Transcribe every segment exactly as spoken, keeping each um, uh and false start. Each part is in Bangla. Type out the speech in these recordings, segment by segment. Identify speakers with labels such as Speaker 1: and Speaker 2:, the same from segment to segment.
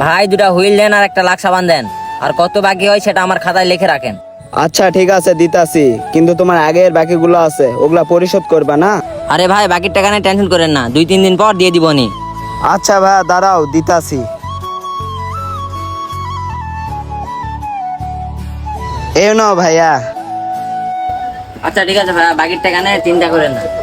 Speaker 1: ভাই দুটা হুইল দেন আর একটা লাখ সাবান দেন, আর কত বাকি হয় সেটা আমার খাতায় লিখে রাখেন।
Speaker 2: আচ্ছা ঠিক আছে দিতাছি, কিন্তু তোমার আগের বাকিগুলো আছে ওগুলা পরিশোধ করবা না?
Speaker 1: আরে ভাই বাকির টাকা নিয়ে টেনশন করেন না, দুই তিন দিন পর দিয়ে দিবনি।
Speaker 2: আচ্ছা ভাইয়া দাঁড়াও দিতাছি। এই নাও ভাইয়া।
Speaker 1: আচ্ছা ঠিক আছে ভাই, বাকির টাকা নিয়ে চিন্তা করেন না।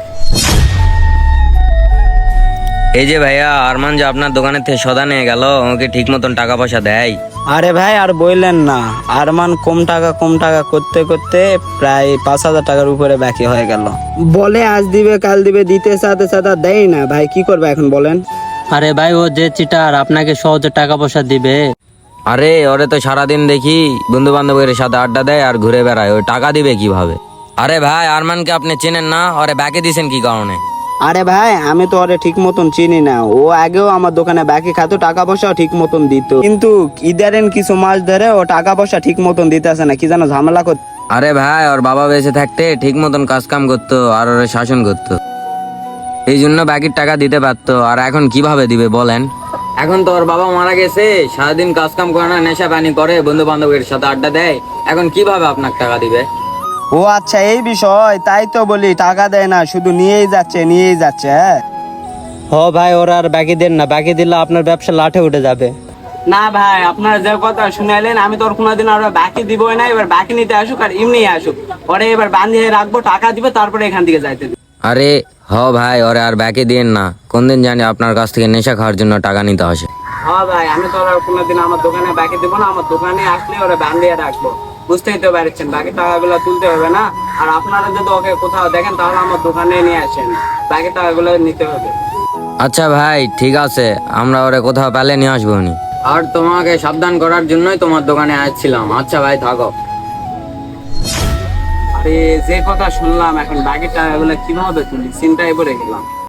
Speaker 3: এই যে ভাইয়া, আরমান যে আপনার দোকানের থেকে সদা নিয়ে গেল, ওকে ঠিক মতন টাকা পয়সা দেয়?
Speaker 2: আরে ভাই আর বললেন না, আরমান কম টাকা কম টাকা করতে করতে প্রায় পাঁচ হাজার টাকার উপরে বাকি হয়ে গেল। বলে আজ দিবে কাল দিবে, দিতে সাথে সাথে দেয় না। ভাই কি করবে এখন বলেন?
Speaker 4: আরে ভাই ও যে চিটার আপনাকে সহজে টাকা পয়সা দিবে?
Speaker 3: আরে ওরে তো সারাদিন দেখি বন্ধু বান্ধবের সাথে আড্ডা দেয় আর ঘুরে বেড়ায়, ওই টাকা দিবে কিভাবে? আরে ভাই আরমানকে আপনি চেনেন না? ওরে ব্যাকে দিছেন কি কারণে?
Speaker 2: আরে ভাই আমি তো ওরে ঠিক মতন চিনি না, ও আগেও আমার দোকানে বাকি খাতো, টাকা পয়সাও ঠিক মতন দিত, কিন্তু ইদারেন কিছু মাস ধরে ও টাকা পয়সা ঠিক মতন দিতেছে না, কি যেন ঝামেলা করতে।
Speaker 3: আরে ভাই ওর বাবা বেঁচে থাকতে ঠিক মতন কাজ কাম করতো আর ওরে শাসন করতো, এই জন্য বাকির টাকা দিতে পারতো। আর এখন কিভাবে দিবে বলেন? এখন তো ওর বাবা মারা গেছে, সারাদিন কাজ কাম করে না, নেশা পানি করে, বন্ধু বান্ধবের সাথে আড্ডা দেয়, এখন কিভাবে আপনাকে টাকা দিবে?
Speaker 2: ও আচ্ছা এই বিষয়, তাই তো বলি টাকা দেয় না, শুধু নিয়েই যাচ্ছে নিয়েই যাচ্ছে। হ্যাঁ
Speaker 4: হ ভাই ওরা আর বাকি দেন না, বাকি দিলে আপনার ব্যবসা লাঠে উঠে যাবে।
Speaker 2: না ভাই আপনার যে কথা শুনাইলেন, আমি তো ওর কোনোদিন আর বাকি দিবই না, এবার বাকি নিতে আসুক আর এমনি আসুক, ওরে এবার বাঁধিয়ে রাখবো, টাকা দিবে তারপরে এখান থেকে যাইতে দিবে।
Speaker 3: আরে হ ভাই ওরে আর ব্যাকে দিয়েন না, কোন দিন জানি আপনার কাছ থেকে নেশা খাওয়ার জন্য টাকা নিতে আসে।
Speaker 2: হ্যাঁ ভাই আমি তো আর কোনোদিন আমার দোকানে বাকি দিব না, আমার দোকানে আসলে ওরা বাঁধিয়ে রাখবো, বুঝতেই তো পারছেন, বাকি টাকাগুলো তুলতে হবে না। আর আপনারা যদি ওকে কোথাও দেখেন তাহলে আমার দোকানে নিয়ে আসেন, বাকি টাকাগুলো নিতে হবে।
Speaker 3: আচ্ছা ভাই ঠিক আছে, আমরা ওরে কোথাও পেলে নিয়ে আসবো নি। আর তোমাকে সাবধান করার জন্যই তোমার দোকানে আসছিলাম। আচ্ছা ভাই থাকো।
Speaker 2: আরে যে কথা শুনলাম, এখন বাকি টাকাগুলো কিভাবে তুলি চিন্তায় পড়ে গেলাম।